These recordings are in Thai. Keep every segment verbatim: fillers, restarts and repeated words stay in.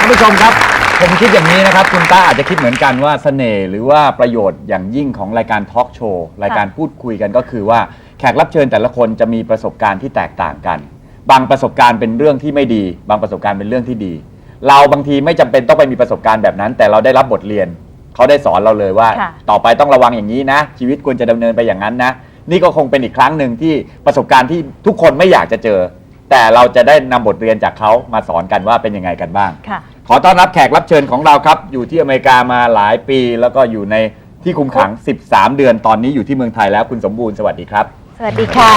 านผู้ชมครับผมคิดอย่างนี้นะครับคุณต้าอาจจะคิดเหมือนกันว่าเสน่ห์หรือว่าประโยชน์อย่างยิ่งของรายการทอล์กโชว์รายการพูดคุยกันก็คือว่าแขกรับเชิญแต่ละคนจะมีประสบการณ์ที่แตกต่างกันบางประสบการณ์เป็นเรื่องที่ไม่ดีบางประสบการณ์เป็นเรื่องที่ดีเราบางทีไม่จำเป็นต้องไปมีประสบการณ์แบบนั้นแต่เราได้รับบทเรียนเขาได้สอนเราเลยว่าต่อไปต้องระวังอย่างนี้นะชีวิตควรจะดำเนินไปอย่างนั้นนะนี่ก็คงเป็นอีกครั้งหนึ่งที่ประสบการณ์ที่ทุกคนไม่อยากจะเจอแต่เราจะได้นำบทเรียนจากเขามาสอนกันว่าเป็นยังไงกันบ้างขอต้อนรับแขกรับเชิญของเราครับอยู่ที่อเมริกามาหลายปีแล้วก็อยู่ในที่คุมขังสิบสามเดือนตอนนี้อยู่ที่เมืองไทยแล้วคุณสมบูรณ์สวัสดีครับสวัสดีค่ะ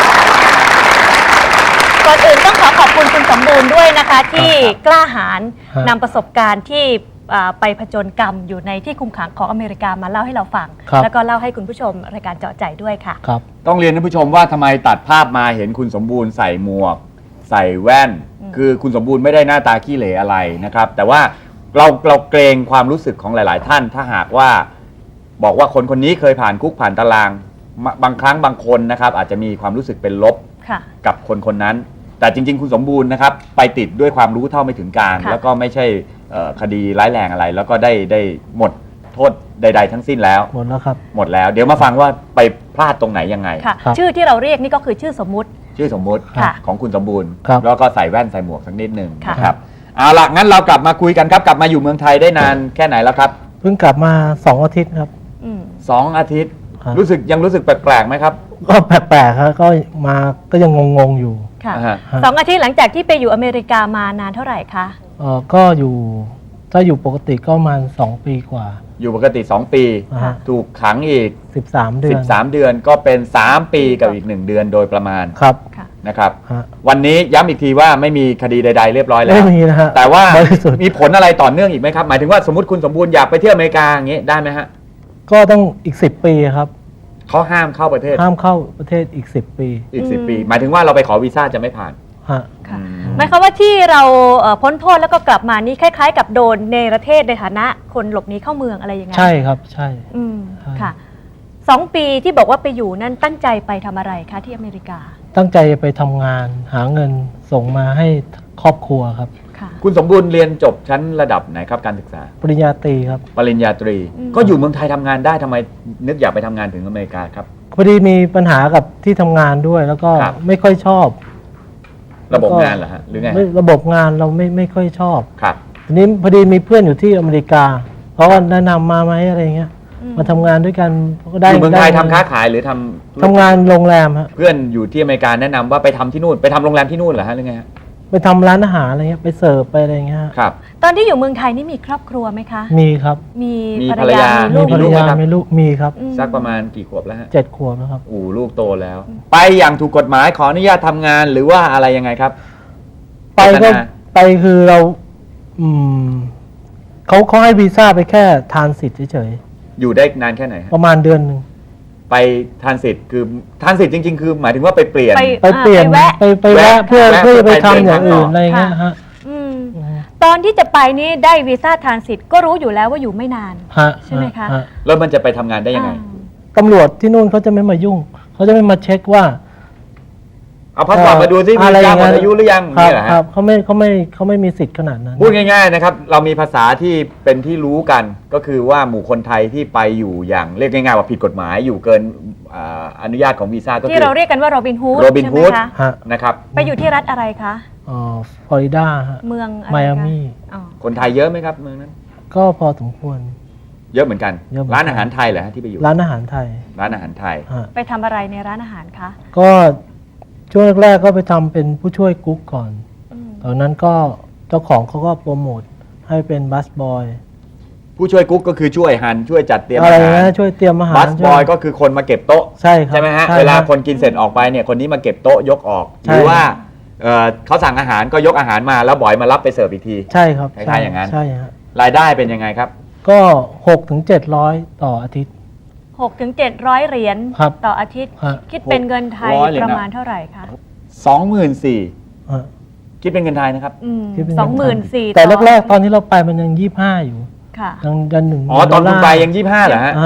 ก่อนอื่นต้องขอขอบคุณคุณสมบูรณ์ด้วยนะคะที่กล้าหาญนำประสบการณ์ที่ไปผจญกรรมอยู่ในที่คุมขังของอเมริกามาเล่าให้เราฟังแล้วก็เล่าให้คุณผู้ชมรายการเจาะใจด้วยค่ะครับต้องเรียนท่านผู้ชมว่าทำไมตัดภาพมาเห็นคุณสมบูรณ์ใส่หมวกใส่แว่นคือคุณสมบูรณ์ไม่ได้หน้าตาขี้เหร่อะไรนะครับแต่ว่าเราเราเกรงความรู้สึกของหลายๆท่านถ้าหากว่าบอกว่าคนคนนี้เคยผ่านคุกผ่านตารางบางครั้งบางคนนะครับอาจจะมีความรู้สึกเป็นลบกับคนคนนั้นแต่จริงๆคุณสมบูรณ์นะครับไปติดด้วยความรู้เท่าไม่ถึงการแล้วก็ไม่ใช่คดีร้ายแรงอะไรแล้วก็ได้ได้หมดโทษใดๆทั้งสิ้นแล้วหมดแล้วครับหมดแล้วเดี๋ยวมาฟังว่าไปพลาดตรงไหนยังไงชื่อที่เราเรียกนี่ก็คือชื่อสมมุติชื่อสมมุติของคุณสมบูรณ์แล้วก็ใส่แว่นใส่หมวกสักนิดหนึ่งนะครับเอาล่ะงั้นเรากลับมาคุยกันครับกลับมาอยู่เมืองไทยได้นานแค่ไหนแล้วครับเพิ่งกลับมาสองอาทิตย์ครับสองอาทิตย์รู้สึกยังรู้สึกแปลกๆไหมครับก็แปลกๆครับก็มาก็ยังงงๆอยู่ค่ะสองอาทิตย์หลังจากที่ไปอยู่อเมริกามานานเท่าไหร่คะเออก็อยู่ถ้าอยู่ปกติก็ประมาณสองปีกว่าอยู่ปกติสองปีถูกขังอีกสิบสามเดือนสิบสามเดือนก็เป็นสามปีกับอีกหนึ่งเดือนโดยประมาณครับนะครับวันนี้ย้ำอีกทีว่าไม่มีคดีใดๆเรียบร้อยแล้วไม่มีนะฮะแต่ว่ามีผลอะไรต่อเนื่องอีกไหมครับหมายถึงว่าสมมติคุณสมบูรณ์อยากไปเที่ยวอเมริกาอย่างนี้ได้ไหมฮะก็ต้องอีกสิบปีครับเขาห้ามเข้าประเทศห้ามเข้าประเทศอีกสิบปีอีกสิบปีหมายถึงว่าเราไปขอวีซ่าจะไม่ผ่านฮะหมายความว่าที่เราพ้นโทษแล้วก็กลับมานี่คล้ายๆกับโดนในประเทศในฐานะคนหลบหนีเข้าเมืองอะไรอย่างเงี้ยใช่ครับใช่อืมค่ะสองปีที่บอกว่าไปอยู่นั่นตั้งใจไปทำอะไรคะที่อเมริกาตั้งใจไปทำงานหาเงินส่งมาให้ครอบครัวครับคุณสมบูรณ์เรียนจบชั้นระดับไหนครับการศึกษาปริญญาตรีครับปริญญาตรีก็อยู่เมืองไทยทำงานได้ทำไมนึกอยากไปทำงานถึงอเมริกาครับพอดีมีปัญหากับที่ทำงานด้วยแล้วก็ไม่ค่อยชอบระบบงานเหรอฮะหรือไงระบบงานเราไม่ไม่ค่อยชอบครับทีนี้พอดีมีเพื่อนอยู่ที่อเมริกาเขาก็แนะนำมาไหมอะไรเงี้ยมาทำงานด้วยกันก็ได้อยู่เมืองไทยทำค้าขายหรือทำทำงานโรงแรมฮะเพื่อนอยู่ที่อเมริกาแนะนำว่าไปทำที่นู่นไปทำโรงแรมที่นู่นเหรอฮะหรือไงฮะไปทำร้านอาหารอะไรเงี้ยไปเสิร์ฟไปอะไรเงี้ยครับตอนที่อยู่เมืองไทยนี่มีครอบครัวไหมคะมีครับมีภรรยามีภรรยามีลูกมีครับสักประมาณกี่ขวบแล้วฮะเจ็ดขวบแล้วครับอู้ลูกโตแล้วไปอย่างถูกกฎหมายขออนุญาตทำงานหรือว่าอะไรยังไงครับไปก็ไปคือเราอืมเขาเขาให้วีซ่าไปแค่ทานสิทธิ์เฉยๆอยู่ได้นานแค่ไหนประมาณเดือนหนึ่งไปทานสิทธิ์คือทานสิทธิ์จริงๆคือหมายถึงว่าไปเปลี่ยนไปเปลี่ยนไปไปแวะเพื่อเพื่อไปทำอย่างอื่นอะไรเงี้ยฮะตอนที่จะไปนี่ได้วีซ่าทรานสิตก็รู้อยู่แล้วว่าอยู่ไม่นานใช่ไหมคะแล้วมันจะไปทำงานได้ยังไงตำรวจที่นู่นเขาจะไม่มายุ่งเขาจะไม่มาเช็คว่าเอาพาสปอร์ตมาดูซิมีการหมดอายุหรือยังนี่แหละครับเขาไม่เขาไม่เขาไม่มีสิทธิ์ขนาดนั้นพูดง่ายๆนะครับเรามีภาษาที่เป็นที่รู้กันก็คือว่าหมู่คนไทยที่ไปอยู่อย่างเรียกง่ายๆว่าผิดกฎหมายอยู่เกินอนุญาตของวีซ่าก็คือที่เราเรียกกันว่าโรบินฮูดโรบินฮูดนะครับไปอยู่ที่รัฐอะไรคะอ๋อฟลอริดาเมืองไมอามี่คนไทยเยอะไหมครับเมืองนั้นก็พอสมควรเยอะเหมือนกันร้านอาหารไทยเหรอฮะที่ไปอยู่ร้านอาหารไทยร้านอาหารไทยไปทำอะไรในร้านอาหารคะก็ช่วงแรกๆก็ไปทำเป็นผู้ช่วยกุ๊กก่อนตอนนั้นก็เจ้าของเขาก็โปรโมทให้เป็นบัสบอยผู้ช่วยกุ๊กก็คือช่วยหั่นช่วยจัดเตรียมอาหารอะไรนะช่วยเตรียมอาหารบัสบอยก็คือคนมาเก็บโต๊ะใช่ครับใช่ไหมฮะเวลาคนกินเสร็จออกไปเนี่ยคนนี้มาเก็บโต๊ะยกออกหรือว่าเขาสั่งอาหารก็ยกอาหารมาแล้วบอยมารับไปเสิร์ฟอีกทีใช่ครับคล้ายๆอย่างนั้นใช่ครับรายได้เป็นยังไงครับก็หกถึงเจ็ดร้อยต่ออาทิตย์หกถึงเจ็ดร้อยเหรียญต่ออาทิตย์คิดเป็นเงินไทยประมาณเท่าไหร่คะสองหมื่นสี่คิดเป็นเงินไทยนะครับสองหมื่นสี่แต่แรกๆตอนที่เราไปมันยังยี่สิบห้าอยู่ค่ะยังยันหนึ่งอ๋อตอนคุณไปยังยี่สิบห้าเหรอฮะ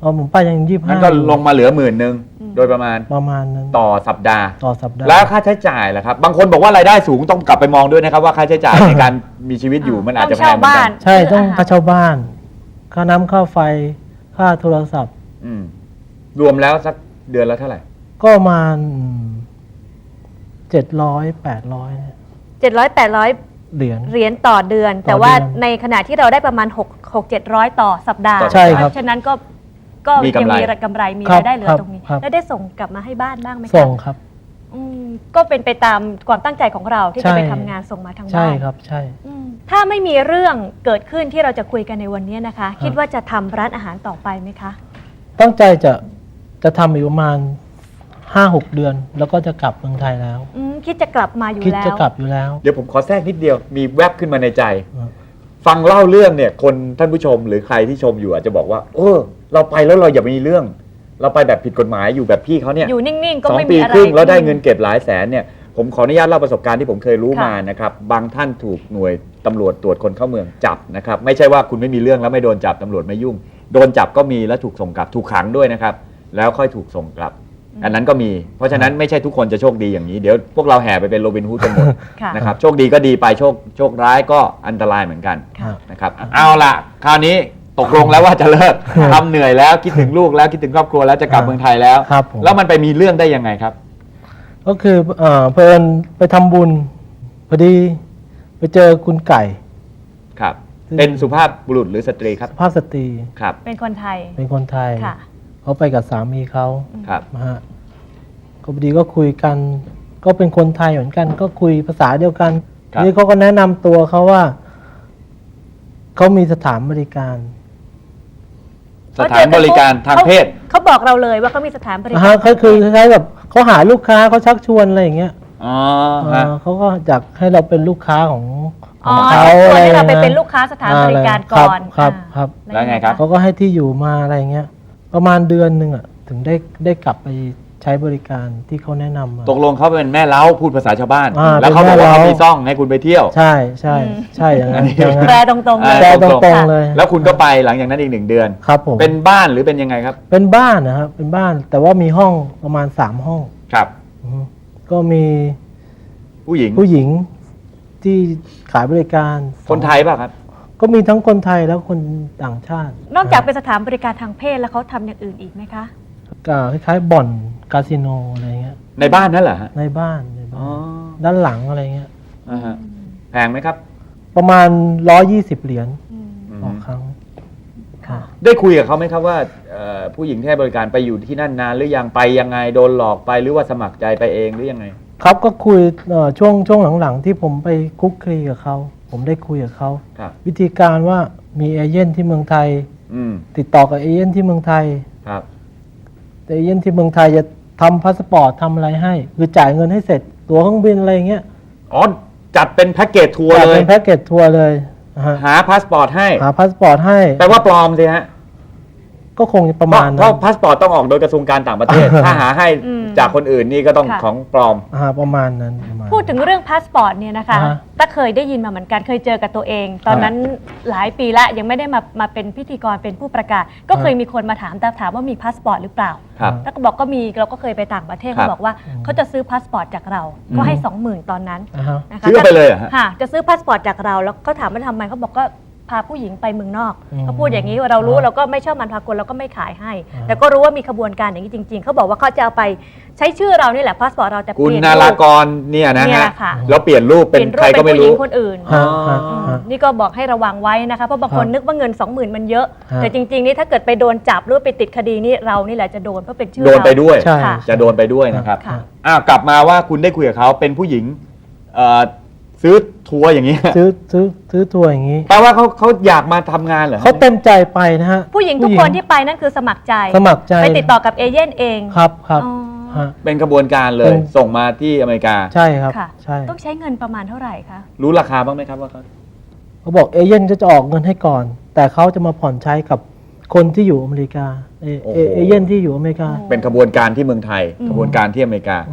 อ๋อผมไปยังยี่สิบงั้ห้านก็ลงมาเหลือหมื่นหนึ่งโดยประมาณประมาณนั้นต่อสัปดาห์ต่อสัปดาห์แล้วค่าใช้จ่ายล่ะครับ บางคนบอกว่ารายได้สูงต้องกลับไปมองด้วยนะครับว่าค่าใช้จ่าย ในการมีชีวิตอยู่มันอาจจะแพงเหมือนกันใช่ต้องซื้ออาหารค่าเช่าบ้าน ค่าน้ำค่าไฟค่าโทรศัพท์อืมรวมแล้วสักเดือนละเท่าไหร่ก็ประมาณเจ็ดร้อยแปดร้อยเจ็ดร้อย แปดร้อยเหรียญเหรียญต่อเดือนต่อแต่ว่าเดือนในขณะที่เราได้ประมาณหก หก เจ็ดร้อยต่อสัปดาห์ใช่ครับเพราะฉะนั้นก็ก็มียังกำไรมีกำไรมีครับรายได้เหลือครับตรงนี้ครับแล้วได้ส่งกลับมาให้บ้านบ้างไหมคะส่งครับอืมก็เป็นไปตามความตั้งใจของเราที่ใช่จะไปทำงานส่งมาทางใช่บ้านครับใช่อืมถ้าไม่มีเรื่องเกิดขึ้นที่เราจะคุยกันในวันนี้นะคะ คิดว่าจะทำร้านอาหารต่อไปไหมคะตั้งใจจะจะทำอีกประมาณห้าหกเดือน แล้วก็จะกลับเมืองไทยแล้วอืมคิดจะกลับมาอยู่คิดแล้วจะกลับอยู่แล้วเดี๋ยวผมขอแทรกนิดเดียวมีแวบขึ้นมาในใจอ่าฟังเล่าเรื่องเนี่ยคนท่านผู้ชมหรือใครที่ชมอยู่อาจจะบอกว่าเออเราไปแล้วเราอย่ามีเรื่อง เราไปแบบผิดกฎหมายอยู่แบบพี่เขาเนี่ยอยู่นิ่งๆ ก็สองไม่ปีมีอะไรครึ่งแล้วได้เงินเก็บหลายแสนเนี่ยผมขออนุญาตเล่าประสบการณ์ที่ผมเคยรู้ค่ะมานะครับบางท่านถูกหน่วยตำรวจตรวจคนเข้าเมืองจับนะครับไม่ใช่ว่าคุณไม่มีเรื่องแล้วไม่โดนจับตำรวจไม่ยุ่ง โดนจับก็มีแล้วถูกส่งกลับถูกขังด้วยนะครับแล้วค่อยถูกส่งกลับ อันนั้นก็มี เพราะฉะนั้นไม่ใช่ทุกคนจะโชคดีอย่างนี้เดี๋ยวพวกเราแห่ไปเป็นโรบินฮูดกันหมดค่ะนะครับโชคดีก็ดีไปโชคโชคร้ายก็อันตรายเหมือนกันค่ะนะครับเอาล่ะคราวนี้ตกลงแล้วว่าจะเลิกทำเหนื่อยแล้วคิดถึงลูกแล้วคิดถึงครอบครัวแล้วจะกลับเมืองไทยแล้วครับผมแล้วมันไปมีเรื่องได้ยังไงครับก็คือเอ่อเพลินไปทำบุญพอดีไปเจอคุณไก่ครับซึ่งเป็นสุภาพบุรุษหรือสตรีครับสุภาพสตรีครับเป็นคนไทยเป็นคนไทยค่ะเขาไปกับสามีเขาครับนะฮะก็พอดีก็คุยกัน ก็เป็นคนไทยเหมือนกัน ก็คุยภาษาเดียวกันครับนี่เขาก็แนะนำตัวเขาว่าเขามีสถานบริการสถานบริการทางเพศเขาบอกเราเลยว่าเขามีสถานบรินะกาฮะรก็คือคล้ายๆแบบเขาหาลูกค้าเขาชักชวนอะไรอย่างเงี้ยอ๋อเอฮะอเขาก็อยากให้เราเป็นลูกค้าของขอ๋อองเขาชวนให้เราไปอะเป็นลูกค้าสถานบริการก่อนครับอ่าครับแล้วไงครับเขาก็ให้ที่อยู่มาอะไรอย่างเงี้ย ประมาณเดือนหนึ่งอ่ะถึงได้ได้กลับไปใช้บริการที่เขาแนะนำมาตกลงเขาเป็นแม่เล้าพูดภาษาชาวบ้านอ่าแล้วเขาบอกว่าเป็นแม่เขาเล้ามีซ่องให้คุณไปเที่ยวใช่ใช่อืมใช่อย่างนั้นอันนี้อย่างนั้นแปลตรงๆเลยแปลตรงๆเลยแล้วคุณก็ไปหลังจากนั้นอีกหนึ่งเดือนครับผมเป็นบ้านหรือเป็นยังไงครับเป็นบ้านนะครับเป็นบ้านแต่ว่ามีห้องประมาณสามห้องครับอือฮึก็มีผู้หญิงผู้หญิงที่ขายบริการคนไทยป่ะครับก็มีทั้งคนไทยแล้วคนต่างชาตินอกจากเป็นสถานบริการทางเพศแล้วเขาทำอย่างอื่นอีกไหมคะก็คล้ายๆบ่อนคาสิโนอะไรเงี้ยในบ้านนั่นเหรอฮะในบ้านในอ๋บ้าอนด้านหลังอะไรเงี้ยอ่าฮะแพงไหมครับประมาณร้อยยี่สิบเหรียญอืมอืมต่อครั้งค่ะได้คุยกับเขาไหมครับว่าเอ่อผู้หญิงที่ให้บริการไปอยู่ที่นั่นนานหรือยังไปยังไงโดนหลอกไปหรือว่าสมัครใจไปเองหรือยังไงครับก็คุยเอ่อช่วงช่วงหลังๆ ที่ผมไปคุกคลีกับเขาผมได้คุยกับเขาครับวิธีการว่ามีเอเย่นที่เมืองไทยอืมติดต่อกับเอเย่นที่เมืองไทยครับแต่เอเย่นที่เมืองไทยจะทำพาสปอร์ตทำอะไรให้ คือจ่ายเงินให้เสร็จตั๋วเครื่องบินอะไรเงี้ยอ๋อจัดเป็นแพ็กเกจทัวร์จ่ายเลเป็ยนแพ็กเกจทัวร์เลยนะฮะหาพาสปอร์ตให้หาพาสปอร์ตให้แปลว่าปลอมสิฮะก็คงประเพมาราะณเพนั้ราะนพาสปอร์ตต้องออกโดยกระทรวงการต่างประเทศ ถ้าหาให้อืมจากคนอื่นนี่ก็ต้องค่ะของปลอมอ่าประมาณนั้นประมาณพูดถึงเรื่องพาสปอร์ตเนี่ยนะคะอ่าฮะต้าเคยได้ยินมาเหมือนกันเคยเจอกับตัวเอง ตอนนั้นหลายปีละยังไม่ได้มามาเป็นพิธีกรเป็นผู้ประกาศ ก็เคยมีคนมาถามแต่ถามว่ามีพาสปอร์ตหรือเปล่าครับต้าก็บอกก็มีเราก็เคยไปต่างประเทศครับเขาบอกว่าเขาจะซื้อพาสปอร์ตจากเรา ก็ให้สองหมื่นตอนนั้นอ่าฮะนะคะซื้อไปเลยเหรอฮะค่ะจะซื้อพาสปอร์ตจากเราแล้วก็ถามว่าทำไมเขาบอกก็พาผู้หญิงไปเมืองนอกอืมเขาพูดอย่างนี้เรารู้อ่าเราก็ไม่ชอบมันพากลเราก็ไม่ขายให้อ่าแต่ก็รู้ว่ามีขบวนการอย่างนี้จริง ๆเขาบอกว่าเขาจะเอาไปใช้ชื่อเรานี่แหละพาสปอร์ตเราแต่เปคุณลี่ยนนารูราปกรเนี่ยนะเนี่ยฮะแหละค่ะแล้วเปลี่ยนรูปเป็นเปลี่ยนรูปใครก็เป็นไม่ผู้หญิรู้งคนอื่นฮะฮะอืมฮะนี่ก็บอกให้ระวังไว้นะคะเพราะบางคนครับนึกว่าเงิน สองหมื่น มันเยอะฮะแต่จริงๆนี่ถ้าเกิดไปโดนจับหรือว่าไปติดคดีนี่เรานี่แหละจะโดนเพราะเป็นชื่อโดนไปเราด้วยใช่ค่ะจะโดนไปด้วยนะครับค่ะอ้าวกลับมาว่าคุณได้คุยกับเขาเป็นผู้หญิงเอ่อซื้อทัวร์อย่างนี้ซื้อซื้อซื้อทัวร์อย่างนี้แปลว่าเขาเขาอยากมาทำงานเหรอเขาเต็มใจไปนะฮะผู้หญิงทุกคนที่ไปนั่นคือสมัครใจสมัครใจไปติดต่อกับเอเย่นเองครับครับอ๋อฮะเป็นกระบวนการเลเป็ยนส่งมาที่อเมริกาใช่ครับค่ะใช่ต้องใช้เงินประมาณเท่าไหร่คะรู้ราคาบ้างไหมครับว่าเขาเขาบอกเอเย่นก็จะออกเงินให้ก่อน แต่เขาจะมาผ่อนใช้กับคนที่อยู่อเมริกาเอเอเอเย่นที่อยู่อเมริกาโอ้เป็นขบวนการที่เมืองไทยอืมขบวนการที่อเมริกาอือฮึ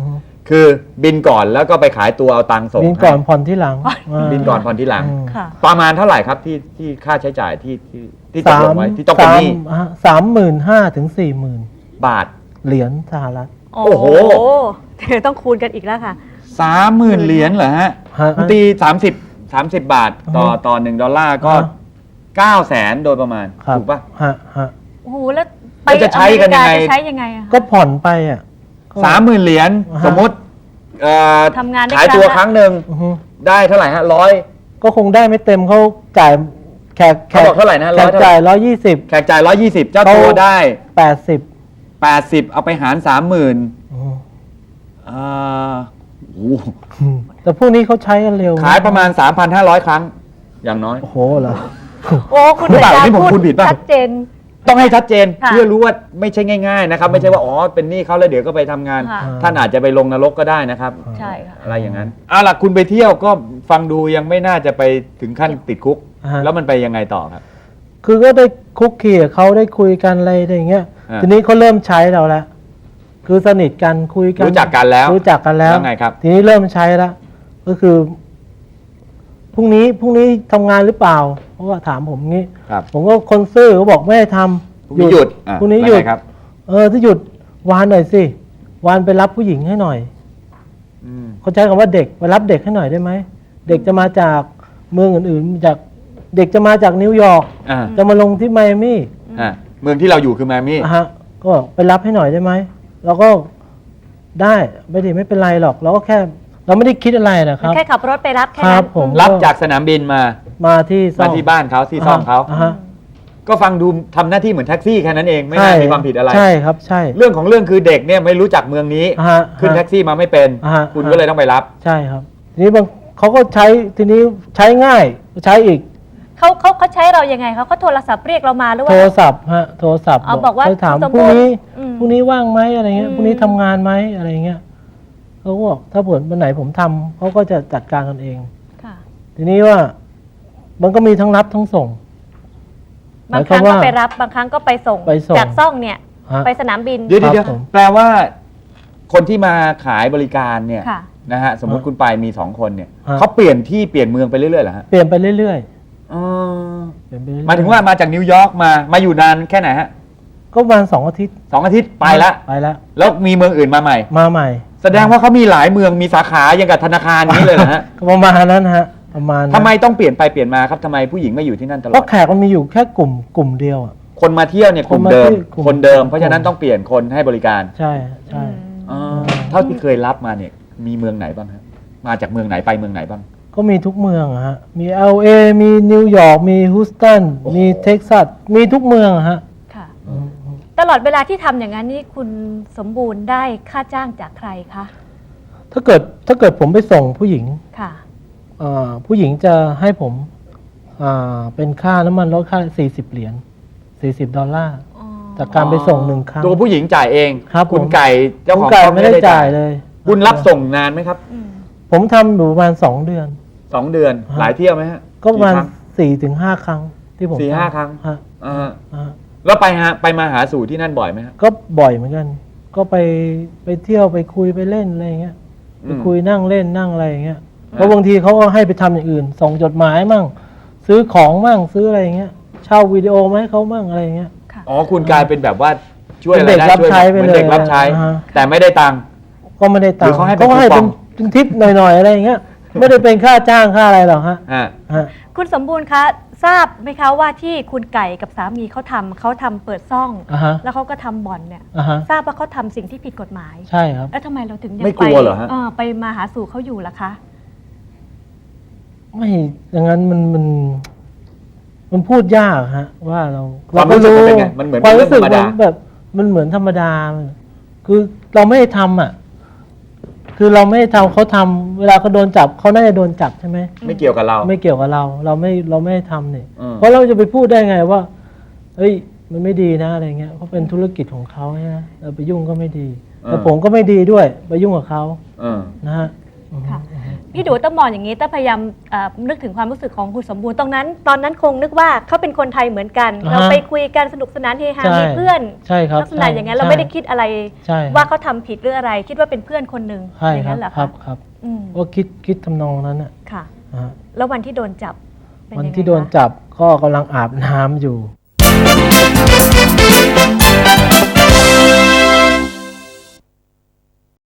คือบินก่อนแล้วก็ไปขายตัวเอาตังค์ส่งบินก่อนให้ผ่อนที่หลังาบินก่อนผ่อนที่หลังอืมค่ะประมาณเท่าไหร่ครับที่ที่ค่าใช้จ่ายที่ที่ที่ตกลงไว้ที่ต้องเป็นหนี้สามหมื่นห้าถึงสี่หมื่นบาทเหรียญสหรัฐโอ้โอ้โหโหเดี๋ยวต้องคูณกันอีกแล้วค่ะสามหมื่นเหรียญเหรอฮะฮะคุณตีสามสิบสามสิบบาทต่อต่อหนึ่งดอลลาร์ก็ฮะเก้าแสนโดยประมาณครับถูกปะฮะฮะโอ้โห แล้วไปแล้วจะใช้กันยังไงอเมริาจะใช้ยังไงอะก็ผ่อนไปอ่ะก็สามหมื่นเหรียญฮะสมมติเอ่อทำงานได้ขายตัวครั้งละครั้งหนึ่งอือฮึได้เท่าไหร่ฮะร้อยก็คงได้ไม่เต็มเขาจ่ายแขกแขเขาบอกเท่าไหร่นะแขร้อก ยเท่าไหร่จ่ายร้อยยี่สิบแขกจ่ายร้อยยี่สิบเจ้าตัวได้แปดสิบแปดสิบเอาไปหารสามหมื่นอ่าโอ้โหแต่พวกนี้เขาใช้กันเร็วขายประมาณ สามพันห้าร้อย ครั้ง อย่างน้อยโอ้โหเหรอโอ้คุณหรือเปล่าอาจารนี่ย์ผมพูพูดดผิดป่ะชัดเจนต้องให้ชัดเจนค่ะเพื่อรู้ว่าไม่ใช่ง่ายๆนะครับ ไม่ใช่ว่าอ๋อเป็นหนี้เขาแล้วเดี๋ยวก็ไปทำงานค่ะท่านอาจจะไปลงนรกก็ได้นะครับใช่ค่ะอะไรอย่างนั้นเอาล่ะคุณไปเที่ยวก็ฟังดูยังไม่น่าจะไปถึงขั้นติดคุกอ่าฮะแล้วมันไปยังไงต่อครับคือก็ได้คุกคีกับเขาได้คุยกันอะไรอย่างเงี้ยอ่าทีนี้เขาเริ่มใช้เราแล้ว คือสนิทกันคุยกันรู้จักกันแล้วรู้จักกันแล้วแล้วไงครับทีนี้เริ่มใช้แล้ว ก็คือพรุ่งนี้พรุ่งนี้ทำงานหรือเปล่า เพราะว่าถามผมงี้ครับผมก็คนซื่อเขาบอกไม่ให้ทำพรุ่งนี้หยุดอ่ะพรุ่งนี้หยุดแล้วไงครับเออถ้าหยุดวานหน่อยสิวานไปรับผู้หญิงให้หน่อยอืมเขาใช้คำว่าเด็กไปรับเด็กให้หน่อยได้ไหมเด็กจะมาจากเมืองอื่นๆจากเด็กจะมาจากนิวยอร์กอ่าจะมาลงที่ไมอามี่อ่าเมืองที่เราอยู่คือไมอามี่อ่ะฮะก็บอกไปรับให้หน่อยได้ไหมเราก็ได้ไม่ได้ไม่เป็นไรหรอก เราก็แค่ เราไม่ได้คิดอะไรนะครับแค่ขับรถไปรับแค่ครันั้บนผมรับจากสนามบินมามาที่ซ่อมาม ที่บ้านเขาที่ซ่อมเขาอ่ะฮะก็ฟังดูทำหน้าที่เหมือนแท็กซี่แค่นั้นเองไม่น่ามีความผิดอะไรใช่ครับใช่เรื่องของเรื่องคือเด็กเนี่ยไม่รู้จักเมืองนี้อ่ะฮะขึ้นแท็กซี่มาไม่เป็นอ่ะฮะคุณก็เลยต้องไปรับใช่ครับ ทีนี้บางเขาก็ใช้ทีนี้ใช้ง่ายใช้อีกเขาเขาเขาใช้เรายังไงเขาเขาโทรศัพท์เรียกเรามาหรือโทว่ารศัพท์ฮะโทรศัพท์เอาบอกว่าไปถามคุณสมพรุ่งนี้อืมพรุ่งนี้ว่างไหมอะไรเงี้ยอืมพรุ่งนี้ทำงานไหมอะไรเงี้ยเขาก็บอกถ้าเผื่อวันไหนผมทำเขาก็จะจัดการกันเองค่ะทีนี้ว่ามันก็มีทั้งรับทั้งส่งบางครั้งหมายความก็ว่าไปรับบางครั้งก็ไปส่งไปส่งจากซ่องเนี่ยฮะไปสนามบินเดี๋ยวครับเดี๋ยวผมแปลว่า คนที่มาขายบริการเนี่ยค่ะนะฮะสมมติคุณไปมีสองคนเนี่ยฮะเขาเปลี่ยนที่เปลี่ยนเมืองไปเรื่อยๆเหรอฮะเปลี่ยนไปเรื่อยอ๋อๆเปลี่ยนไปเรื่อยๆหมายถึงว่ามาจากนิวยอร์กมามาอยู่นานแค่ไหนฮะก็ประมาณสองอาทิตย์สองอาทิตย์ไปละไปแล้วแล้วมีเมืองอื่นมาใหม่มาใหม่แสดงว่าเขามีหลายเมืองมีสาขาอย่างกับธนาคารนี้เลยเหรอฮะก็ประมาณนั้นฮะประมาณนั้นทำไมต้องเปลี่ยนไปเปลี่ยนมาครับทำไมผู้หญิงไม่อยู่ที่นั่นตลเพอราะดแขกมันมีอยู่แค่กลุ่มกลุ่มเดียวอ่ะคนมาเที่ยวเนี่ยกลุ่มคนมาเดิมที่กลุ่มคนเดิม เพราะกลุ่ฉะมนั้นต้องเปลี่ยนคนให้บริการใช่ใช่อ๋อเท่าที่เคยรับมาเนี่ยมีเมืองไหนบ้างฮะมาจากเมืองไหนไปเมืองไหนบ้างก็มีทุกเมืองอะฮะ มี แอล เอ มีนิวยอร์ก มีฮูสตันโอ้โหมีเท็กซัส มีทุกเมืองอะฮะค่ะ ตลอดเวลาที่ทำอย่างนั้นนี่คุณสมบูรณ์ได้ค่าจ้างจากใครคะถ้าเกิดถ้าเกิดผมไปส่งผู้หญิงค่ะเอ่อผู้หญิงจะให้ผมอ่าเป็นค่าน้ำมันรถค่าสี่สิบเหรียญสี่สิบดอลลาร์อ๋อจากการไปส่งหนึ่งครั้งตัวผู้หญิงจ่ายเองครับผมคุณไก่เจ้าคุขณองไก่ช่องไม่ได้จ่ายเลยคุณรับส่งนานไหมครับอืมผมทำอยู่ประมาณสองเดือนสองเดือนฮะหลายเที่ยวไหมฮะก็ประมาณกี่คงสี่ถึงห้าครั้งที่ผมสี่ทำห้าครั้งฮะอ่าฮะฮะแล้วไปฮะไปมาหาสู่ที่นั่นบ่อยไหมฮะก็บ่อยเหมือนกัน ก็ไปไปเที่ยวไปคุยไปเล่นอะไรอย่างเงี้ย ไปคุยนั่งเล่นนั่งอะไรอย่างเงี้ยเพราะบางทีเขาก็ให้ไปทำอย่างอื่น ส่งจดหมายมั่ง ซื้อของมั่งซื้ออะไรอย่างเงี้ย เช่าวิดีโอมาให้เขามั่งอะไรอย่างเงี้ยค่ะอ๋อคุณกลายเป็นแบบว่าช่วยเป็นอะไรเด็กได้รับช่วยใช้ไปเหมือนเลยเด็กรับใช้อ่าฮะแต่ไม่ได้ตังค์ก็ไม่ได้ตังหรือค์เขาให้เป็นก็ให้คูปเป็อน งเป็นทิปหน่อยๆอะไรอย่างเงี้ย ไม่ได้เป็นค่าจ้างค่าอะไรหรอกฮะฮะฮะคุณสมบูรณ์คะทราบไหมคะว่าที่คุณไก่กับสามีเขาทำเขาทำเปิดซ่องอ่าฮะแล้วเขาก็ทำบ่อนเนี่ยอ่าฮะทราบว่าเขาทำสิ่งที่ผิดกฎหมายใช่ครับแล้วทำไมเราถึงยังไม่กไปลัวเหรอฮะเออไปมาหาสู่เขาอยู่ล่ะคะไม่อย่างนั้นมันมัน มันพูดยากฮะ ว่าเราความรู้สึกมันเป็นไงมันเหมือนความเป็นเรื่รู้องสึธกรรมมัดานแบบมันเหมือนธรรมดา คือเราไม่ได้ทำอ่ะ คือเราไม่ได้ทำเขาทำเวลาเขาโดนจับเขาน่าจะโดนจับใช่ไหมไม่เกี่ยวกับเราไม่เกี่ยวกับเรา เราไม่เราไม่ได้ทำเนี่ยอืมเพราะเราจะไปพูดได้ไงว่าเฮ้ยมันไม่ดีนะอะไรเงี้ยเพราะเป็นธุรกิจของเขาใช่ไหมเราไปยุ่งก็ไม่ดีแล้วผมก็ไม่ดีด้วยไปยุ่งกับเขาเออนะฮะค่ะพี่ดูต้องมองอย่างนี้ต้องพยายามเอ่อนึกถึงความรู้สึกของคุณสมบูรณ์ตรงนั้น ตอนนั้นคงนึกว่าเขาเป็นคนไทยเหมือนกันอ่าฮะเราไปคุยกันสนุกสนานเฮฮาใช่มีเพื่อนใช่ครับลักษณะอย่างนั้นใช่เราไม่ได้คิดอะไรใช่ว่าเขาทำผิดหรืออะไร คิดว่าเป็นเพื่อนคนหนึ่งใช่อย่างครันั้บนเหรอครัคะบครับอืมก็คิดคิดทำนองนั้นน่ะค่ะนะฮะแล้ววันที่โดนจับเป็วันยังไงที่โดนคะจับก็กำลังอาบน้ำอยู่